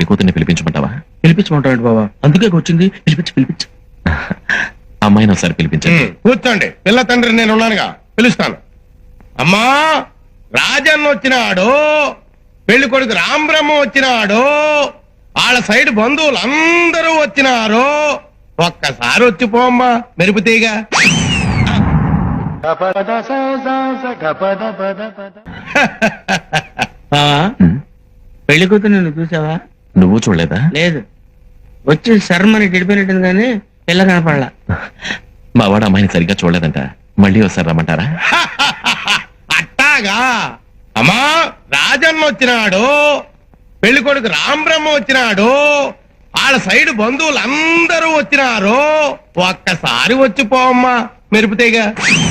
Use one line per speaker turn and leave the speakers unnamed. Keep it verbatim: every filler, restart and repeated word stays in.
కూతుర్ని పిలిపించమంటావా?
పిలిపించమంటాడు బాబా, అందుకే వచ్చింది. పిలిపించి పిలిపించు.
అమ్మాయిని ఒకసారి పిలిపించండి.
కూర్చోండి, పిల్ల తండ్రి నేను ఉన్నానుగా, పిలుస్తాను. అమ్మా, రాజన్న వచ్చినాడు, పెళ్లి కొడుకు రాంబ్రహ్మ వచ్చినాడు, వాళ్ళ సైడ్ బంధువులు అందరూ వచ్చినారు. ఒక్కసారి వచ్చిపోమ్మా మెరుపుతీగా.
బావా,
ఉమ్,
పెళ్లి కూతురు నిన్ను చూసావా?
నువ్వు చూడలేదా?
లేదు, వచ్చి శర్మని గడిపోయినట్టుంది కానీ పిల్ల కనపడలా.
మా వాడు అమ్మాయిని సరిగ్గా చూడలేదంట. మళ్ళీ ఒకసారి రమ్మంటారా?
అట్టాగా. అమ్మా, రాజన్న వచ్చినాడు, పెళ్లి కొడుకు రాంబ్రహ్మ వచ్చినాడు, వాళ్ళ సైడ్ బంధువులు అందరూ వచ్చినారు. ఒక్కసారి వచ్చిపోమ్మా మెరుపుతీగా.